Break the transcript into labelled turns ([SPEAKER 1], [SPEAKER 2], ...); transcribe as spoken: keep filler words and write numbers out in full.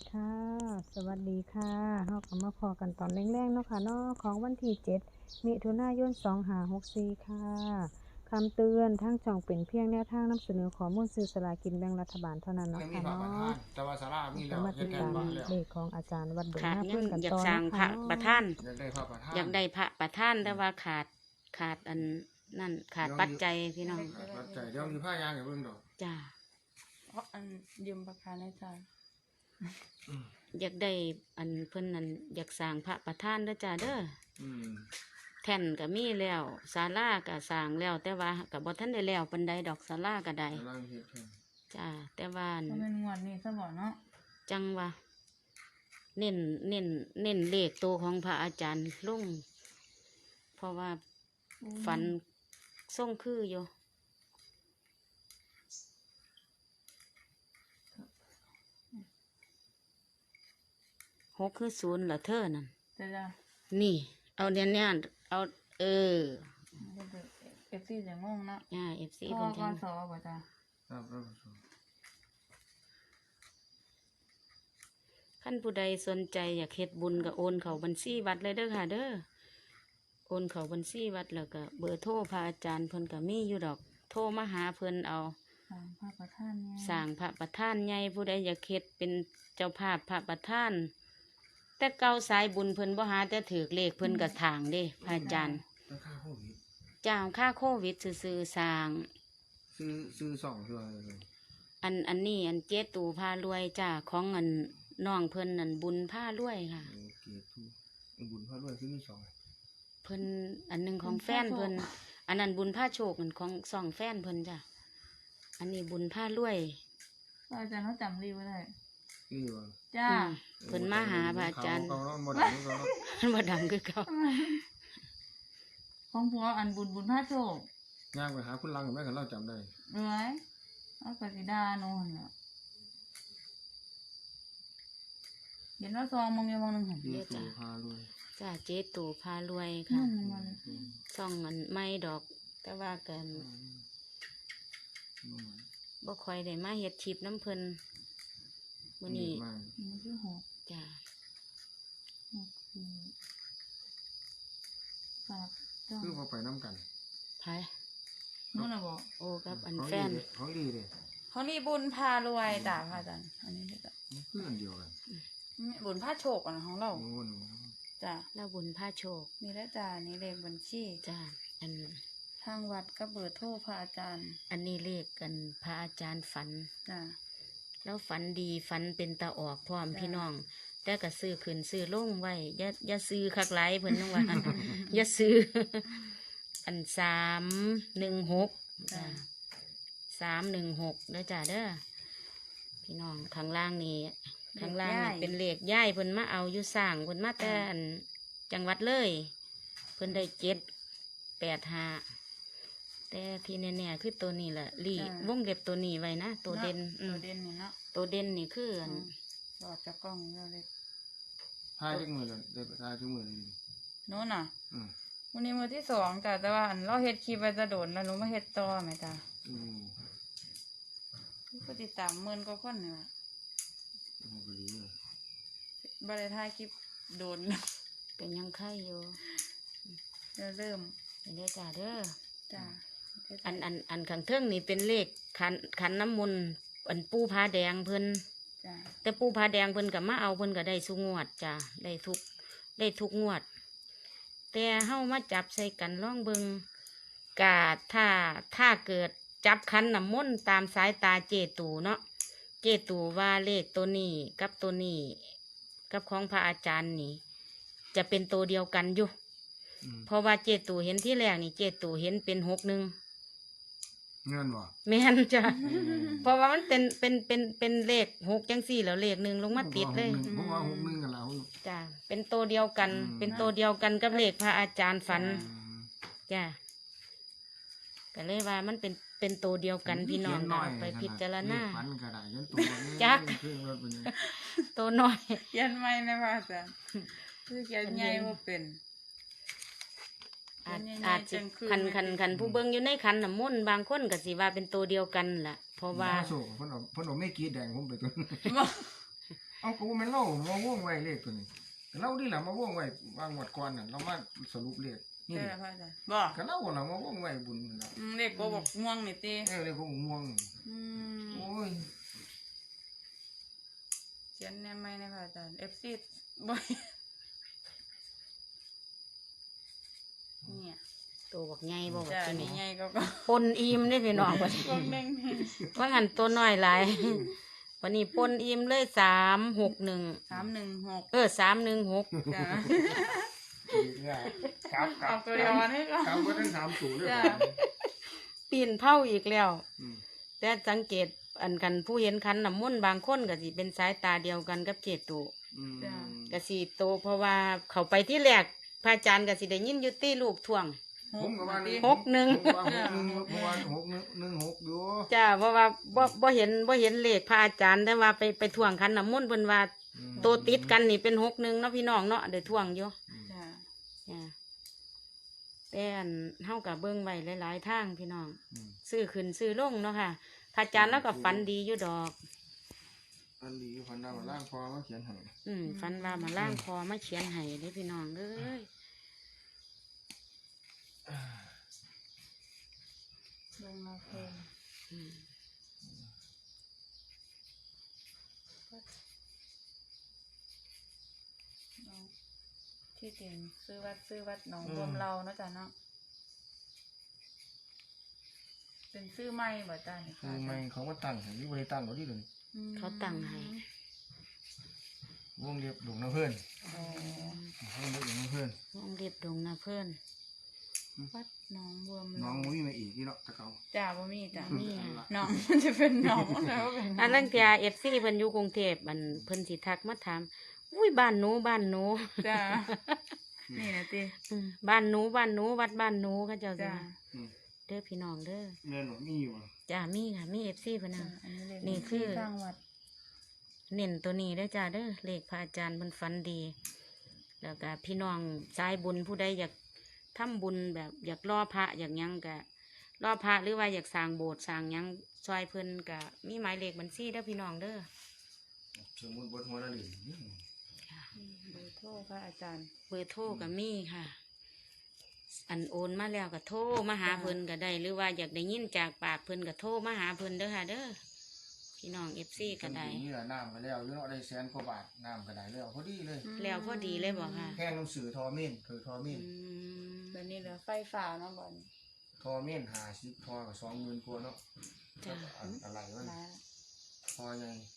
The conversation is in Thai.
[SPEAKER 1] ค่ะสวัสดีค่ะเฮาก็มาพอกันตอนแรงๆเนาะค่ะเนาะของวันที่เจ็ดมิถุนายนสองห้าหกสี่ค่ะคำเตือนทางช่องเป็นเพียงแนวทางนำเสนอข้อมูลซื้อสลากกินแบ่งรัฐบาลเท่านั้น
[SPEAKER 2] อัน
[SPEAKER 1] เนาะ
[SPEAKER 2] นี้มี
[SPEAKER 1] ค่ะ
[SPEAKER 2] พระประ
[SPEAKER 1] เนาะ
[SPEAKER 2] ธานแต่ว่าศาลามี
[SPEAKER 1] ก็
[SPEAKER 2] แล้ว
[SPEAKER 1] มา
[SPEAKER 2] เฮ็
[SPEAKER 1] ติ
[SPEAKER 2] ด
[SPEAKER 1] ด
[SPEAKER 2] แทน
[SPEAKER 1] ตาม
[SPEAKER 2] พระแล้ว
[SPEAKER 1] เลขของอาจารย์วัดดง
[SPEAKER 3] ขาด
[SPEAKER 1] หน้า
[SPEAKER 3] ยั
[SPEAKER 1] เพื่
[SPEAKER 3] ง
[SPEAKER 1] อนกัน
[SPEAKER 3] อยา
[SPEAKER 1] ต่
[SPEAKER 3] ก
[SPEAKER 1] อ
[SPEAKER 3] สร้าง
[SPEAKER 1] เนาะ
[SPEAKER 3] พ
[SPEAKER 1] ค่ะ
[SPEAKER 3] ระ
[SPEAKER 1] เนาะ
[SPEAKER 3] ประธาน
[SPEAKER 2] อยากได้พระประธาน
[SPEAKER 3] อยากได้พระประธานแต่ว่าขาดขาดอันนั่นขาดปัจจัยพี่น้อง
[SPEAKER 2] ปัจจัยเดี๋ยวมีผ้ายางให้เบิ่งดอก
[SPEAKER 3] จ้า
[SPEAKER 4] เพราะอันยืมปากกาในใจ
[SPEAKER 3] อยากได้อันเพิ่นนั่นอยากสร้างพระประธานเด้อจ้าเด้อ
[SPEAKER 2] อืม
[SPEAKER 3] แท่นก็มีแล้วศาลาก็สร้างแล้ว แต่ว่าก็บ่ทันได้แล้วปานใดดอกศาลาก็ได้
[SPEAKER 2] กำลังเฮ็ดแทน
[SPEAKER 3] จ้าแต่ว่าอัน
[SPEAKER 4] เพราะเป็นงวดนี้ซะบ่เนาะ
[SPEAKER 3] จังว่าเน้นเน้นเน้นเลขตัวของพระอาจารย์ลงเพราะว่าฝันส่งคืออยู่หกคือศูนย์เหรอเธอนั่น
[SPEAKER 4] จะจะ
[SPEAKER 3] นี่ เอาเนี่ยเนี่ยเอาเออ
[SPEAKER 4] เอฟซีจะงงเนาะ
[SPEAKER 3] อ่าเอฟซี
[SPEAKER 4] พ่อ
[SPEAKER 3] เพิ่น
[SPEAKER 4] ก
[SPEAKER 3] แทง
[SPEAKER 4] สบ่จ้ะ
[SPEAKER 2] ครับครับ
[SPEAKER 3] ขั้นผู้ใดสนใจอยากเฮ็ดบุญก็โอนเข้าบัญชีวัดเลยเด้อค่ะ เด้อโอนเข้าบัญชีวัดแล้วก็เบอร์โทรพระอาจารย์เพิ่นก็มีอยู่ดอก โทรมาหาเพิ่นเอา
[SPEAKER 4] สามพระประธานเนี่ย
[SPEAKER 3] สร้างพระประธานใหญ่ผู้ใดอยากเฮ็ดเป็นเจ้าภาพพระประธาน แต่เก่าสายบุญเพิ่นบ่หาแต่ถือเลขเพิ่นก็ทางเด้พระอาจารย์
[SPEAKER 2] ราคาโควิด
[SPEAKER 3] จ้างค่าโควิดซื่อๆสร้าง
[SPEAKER 2] ซื้อซื้อสองเทื่อเลย
[SPEAKER 3] อันอันนี้อันเจ๊ตูพารวยจ้าของอันน้องเพิ่นอันบุญผ้ารวยค่ะ
[SPEAKER 2] โอเคทุกบุญพระด้วยคือมีสอง
[SPEAKER 3] เพิ่นอันหนึงของแฟนเพิ่นอันนั้นบุญผ้าโชคอันของสองแฟนเพิ่นจ้ะอันนี้บุญผ้ารวย
[SPEAKER 4] อาจารย์เขาจำรีไว้ได้
[SPEAKER 2] คือว่า
[SPEAKER 4] จ้า
[SPEAKER 3] อืมเพิ่นมาหาพระอาจารย์
[SPEAKER 2] เขเนาะบ่ดังเขาเนาะ
[SPEAKER 3] มันบ่ดังคือเขา
[SPEAKER 4] ของผัวอันบุญบุญพระโชค
[SPEAKER 2] ย่างไปหาคุณลังกับแม่กันเราจำได้
[SPEAKER 4] เอ้ยเอากสิดาโน่นเนาะเห็นว่าซองมึงยังมองหนึ่งเห็น
[SPEAKER 2] ซื้อตัวพาด้วย
[SPEAKER 3] จ้าเจ๊ตูพารวย
[SPEAKER 4] นั่
[SPEAKER 3] ค่ะ
[SPEAKER 4] นมัน
[SPEAKER 3] ซ่องอันไม่ดอก แต่ว่ากันบ่ค่อยได้มาเฮ็ดชิปน้ำเพิ่นมื้อนี้
[SPEAKER 2] มาก
[SPEAKER 4] มันคือหก
[SPEAKER 3] จ้า
[SPEAKER 4] หกสี่ฝากจ้อง
[SPEAKER 2] คือพอไปน้ำกัน
[SPEAKER 3] ไผ
[SPEAKER 4] นู่นน่ะบอก
[SPEAKER 3] โอ้กับอัน
[SPEAKER 2] ของ
[SPEAKER 3] แฟ
[SPEAKER 2] ดี
[SPEAKER 3] น
[SPEAKER 2] เลยของดีเลย
[SPEAKER 4] เขานี่บุญพารวยจ้าพระอาจารย์อันนี้จ้ะ
[SPEAKER 2] เพื่อนเดียวกัน
[SPEAKER 4] บุญพระโชคอันของเรา
[SPEAKER 2] โอ้โห
[SPEAKER 4] จ้ะ
[SPEAKER 3] แล้วบุญผ้าโชค
[SPEAKER 4] นี่แหละจ้านี่เลขบัญชี
[SPEAKER 3] จ้าอัน
[SPEAKER 4] ทางวัดก็เบอร์โทรพระอาจารย์
[SPEAKER 3] อันนี้เลขกันพระอาจารย์ฝัน
[SPEAKER 4] จ้ะ
[SPEAKER 3] แล้วฝันดีฝันเป็นตาออกพร้อม
[SPEAKER 4] จ้ะ
[SPEAKER 3] พี่น้อง แต่ก็ซื้อขึ้นซื้อลงไว้อย่าอย่าซื้อคักไหลายเพิ่นนึงว่า อย่าซื้อ อันสามหนึ่งหกจ้ะสามหนึ่งหกเด้อจ้าเด้อพี่น้องข้างล่างนี่ข้างล่างนี่เป็นเลขย่ายเพิ่นมาเอาอยู่สร้างเพิ่นมาแต่อันจังหวัดเลย เพิ่นได้เจ็ดแปดห้าแต่ที่แน่ๆคือตัวนี้แหละลีวงเล็บตัวนี้ไว้นะตัวเด่นอื
[SPEAKER 4] ตัว
[SPEAKER 3] ม
[SPEAKER 4] เด่นนี่เนาะ
[SPEAKER 3] ตัวเด่นนี่คืออัน
[SPEAKER 4] หลอดจากกล้องเราเลย
[SPEAKER 2] ทายทุกมือเลยได้ทายทุกมือเลย
[SPEAKER 4] โน่นน่ะ
[SPEAKER 2] อืม
[SPEAKER 4] วันนี้มือที่สองจ้ะแต่ว่าอันเราเฮ็ดคลิปไปจะโดนแล้วหนูมาเฮ็ดต่อไหมจ้ะ
[SPEAKER 2] อืม
[SPEAKER 4] ผู้ติดตามหมื่นกว่าคนนี่ว่ะ
[SPEAKER 2] โอ้โหก็ดีเลย
[SPEAKER 4] บริถ่ายคลิปโดน
[SPEAKER 3] ก็ยังไข่อยู่
[SPEAKER 4] แล้วเริ่ม
[SPEAKER 3] เด้อจ้าเด้อ
[SPEAKER 4] จ้ะ
[SPEAKER 3] อันอันอันข้างเทิงนี่เป็นเลขขันขันน้ำมนต์อันปูผาแดงเพิ่น
[SPEAKER 4] จ้ะ
[SPEAKER 3] แต่ปูผาแดงเพิ่นกับมาเอาเพิ่นก็ได้สุกงวดจ้ะได้ทุกได้ทุกงวด แต่เฮามาจับใส่กันล่องเบิงกาถ้าถ้าเกิดจับขันน้ำมนต์ตามสายตาเจตูเนาะเจตูว่าเลขตัวนี้กับตัวนี้กับของพระอาจารย์นี่ จะเป็นตัวเดียวกันอยู่
[SPEAKER 2] อืม
[SPEAKER 3] เพราะว่าเจตูเห็นที่แรกนี่เจตูเห็นเป็นหกหนึ่ง
[SPEAKER 2] เงินวะ
[SPEAKER 3] แม่นจ้ะ เพราะว่ามันเป็นเป็นเป็นเป็นเลขหกจังสี่แล้วเลขหนึ่งลงมาติดเลย
[SPEAKER 2] ผมว่าหกหนึ่งกันแล้ว
[SPEAKER 3] จ้ะเป็นตัวเดียวกัน
[SPEAKER 2] อืม
[SPEAKER 3] เป็นตัวเดียวกันกับเลขพระอาจารย์ฝัน
[SPEAKER 2] อืม
[SPEAKER 3] จ้ะก็เลยว่ามันเป็นเป็นตัวเดียวกันพี่น้องเอาไปพิจารณา
[SPEAKER 2] ฝันกระดาษยันตัว
[SPEAKER 3] จัก
[SPEAKER 2] เครื่องรถเป็นยัง
[SPEAKER 3] ตัวน้อย
[SPEAKER 4] เขียนไม่นะพระอาจารย์คือเขียนใหญ่ว่าเป็น
[SPEAKER 3] อาจ
[SPEAKER 4] เป็นยังไง
[SPEAKER 3] อาจสิ
[SPEAKER 4] จังคือ
[SPEAKER 3] คัน
[SPEAKER 4] ไม่
[SPEAKER 3] คัน
[SPEAKER 4] ติด
[SPEAKER 3] คันผู้เบิ่งอยู่ในคันน้ำมนต์บางคนก็สิว่าเป็นตัวเดียวกันล่ะ เพราะว่า
[SPEAKER 2] โศกเพิ่นเอาเพิ่นเอาไม่กรีดแดงผมไปตัว
[SPEAKER 4] บ่
[SPEAKER 2] เอาเอากูแม่นเล่ามาว่องไว้เลขตัวนี้แต่เล่านี่แหละมาว่องไว้วางหมดก่อนน่ะเรามาสรุปเลขนี่
[SPEAKER 4] เจ้าพระอาจารย์บอก
[SPEAKER 2] ก็เล่าน่ะมาว่องไว้บุญน่ะ
[SPEAKER 4] อืมเด็กโกบอกม่วงนี่ตี
[SPEAKER 2] เออเลขของม่วง
[SPEAKER 4] อืม
[SPEAKER 2] โอ้ย
[SPEAKER 4] เขียนแน่ไหมนะพระอาจารย์เอฟซีบ่อยเนี่ย
[SPEAKER 3] ตัวบักใหญ่บ่บัก
[SPEAKER 4] จ้า
[SPEAKER 3] ตัว
[SPEAKER 4] นี่
[SPEAKER 3] นี้
[SPEAKER 4] ไงก็ก็
[SPEAKER 3] ปนอิ่มได้อพี่น้องบัดนี้
[SPEAKER 4] พวกเด้งนี่
[SPEAKER 3] ว่างั้นตัวน้อยหลายวันนี้ปนอิ่มเลยสามหกหนึ่ง
[SPEAKER 4] สามหนึ่งหก
[SPEAKER 3] เออสามหนึ่งหก
[SPEAKER 4] จ้า
[SPEAKER 2] ครับครั
[SPEAKER 4] เอา
[SPEAKER 2] บ
[SPEAKER 4] ตัวเดียวอันนี้ก็
[SPEAKER 2] ครับก็ทั้งสามสูงด้วย
[SPEAKER 4] จ้า
[SPEAKER 3] ปีนเผาอีกแล้ว
[SPEAKER 2] อืม
[SPEAKER 3] แต่สังเกตอันกันผู้เห็นคันน้ำมนต์บางคนก็สิเป็นสายตาเดียวกันกับเจตู
[SPEAKER 2] อืม
[SPEAKER 3] ก็สิโตเพราะว่าเขาไปที่แรกพระอาจารย์ก็สิได้ยินอยุตี้ลูกท่วง
[SPEAKER 2] ผมก็ว่า
[SPEAKER 3] หกหนึ่ง
[SPEAKER 2] ผมว่าหกหนึ่งเพราะว่าหกหนึ่งหนึ่งหกอยู่
[SPEAKER 3] จ้าเพราะว่าบ่บ่เห็นบ่เห็นเลขพระอาจารย์แต่ว่าไปไปท่วงคันน้ำมนต์เพิ่นว่า
[SPEAKER 2] อืม
[SPEAKER 3] โตติดกันนี่เป็นหกหนึ่งเนาะพี่น้องเนาะได้ท่วงอยู่
[SPEAKER 4] จ้า
[SPEAKER 3] จ้าแต่อันเฮากับเบิ่งไว้หลายๆทางพี่น้อง
[SPEAKER 2] อืม
[SPEAKER 3] ซื้อขึ้นซื้อลงเนาะค่ะพระอาจารย์แล้วก็ฝันดีอยู่ดอก
[SPEAKER 2] อันนี้พันดาวล่างพอมาเขียนให้
[SPEAKER 3] อืมฝันว่ามาล่างคอมาเขียนให้เด้อพี่น้องเอ้ย
[SPEAKER 4] ลงมาเพิ่ม
[SPEAKER 3] อืม
[SPEAKER 4] น้องที่จริงซื้อวัดซื้อวัดหนองรวมเราเนาะจ้าเนาะเป็นซื้อไม่บ่จ้านี่
[SPEAKER 2] คือไม่เขามาตั้งให้ยี่บริตั้งเขาที่เลย
[SPEAKER 4] อืม
[SPEAKER 3] เขาตั้งให้
[SPEAKER 2] วงเรียบหลวงน้ำเพื่อน
[SPEAKER 4] อ๋อ
[SPEAKER 2] วงเรียบหลวงน้ำเพื่อน
[SPEAKER 3] น้องเรียบดงนะเพื่อน
[SPEAKER 4] วัดหนองรวม
[SPEAKER 2] น้
[SPEAKER 4] เรา
[SPEAKER 2] องมุ้ยมาอีกที่เนาะตะเกา
[SPEAKER 4] จ้าบ่มีจ้า
[SPEAKER 3] มี
[SPEAKER 4] หนองมันจะเป็นหนองแล้วเป็นหน
[SPEAKER 3] อัน
[SPEAKER 4] อง
[SPEAKER 3] ลังเทียเอฟซีเพิ่นอยู่กรุงเทพอันเพิ่นสิทักมาถามอุ้ยบ้านหนูบ้านหนู
[SPEAKER 4] จ้านี่นะติ
[SPEAKER 3] อืมบ้านหนูบ้านหนูวัดบ้านหนูเขาเจ้าสิ
[SPEAKER 4] จ้า
[SPEAKER 3] ว่า
[SPEAKER 2] อืม
[SPEAKER 3] เด้อพี่น้องเด้อ
[SPEAKER 2] เงินหนูมีอยู่บ่
[SPEAKER 3] จ้ามีค่ะมีเอฟซีเพิ่น
[SPEAKER 4] จ้า
[SPEAKER 3] น่ะ
[SPEAKER 4] อันนี้เลย
[SPEAKER 3] นี่คือ
[SPEAKER 4] สร้างวัด
[SPEAKER 3] เน้นตัวนี้เด้อจ้าเด้อเลขพระอาจารย์เพิ่นฝันดี แล้วก็พี่น้องสายบุญผู้ใดอยากทำบุญแบบอยากล่อพระอยากหยังก็ล่อพระหรือว่าอยากสร้างโบสถ์สร้างหยังซอยเพิ่นก็มีหมายเลขบัญชีเด้อพี่น้องเด้อ
[SPEAKER 2] สมมุติบทหัวละหนึ่ง
[SPEAKER 4] เบอร์โทรพระอาจารย์
[SPEAKER 3] เบอร์โทรก็มีค่ะ อันโอนมาแล้วก็โทรมาหาเพิ่นก็ได้ หรือว่าอยากได้ยินจากปากเพิ่นก็โทรมาหาเพิ่นเด้อค่ะเด้อพี่น้องเอฟซีก็ได้
[SPEAKER 2] นี่แหละน้ำก็แล้วอยู่เนาะได้แสนกว่าบาทน้ำก็ได้แล้วพอดีเลย
[SPEAKER 3] แล้วพอดีเลยบอกค่ะ
[SPEAKER 2] แพงหนังสือทอเมนคือทอเม
[SPEAKER 3] อื
[SPEAKER 2] น
[SPEAKER 3] ม
[SPEAKER 4] เดี๋ยวนี้เหลือไฟฟ้าเนาะบ่อน
[SPEAKER 2] ทอเมนหาสิบทอกับสองหมื่นกว่าเนาะ
[SPEAKER 3] จ้ะ
[SPEAKER 2] อันอะไรวะ
[SPEAKER 4] มา
[SPEAKER 2] ทอใหญ่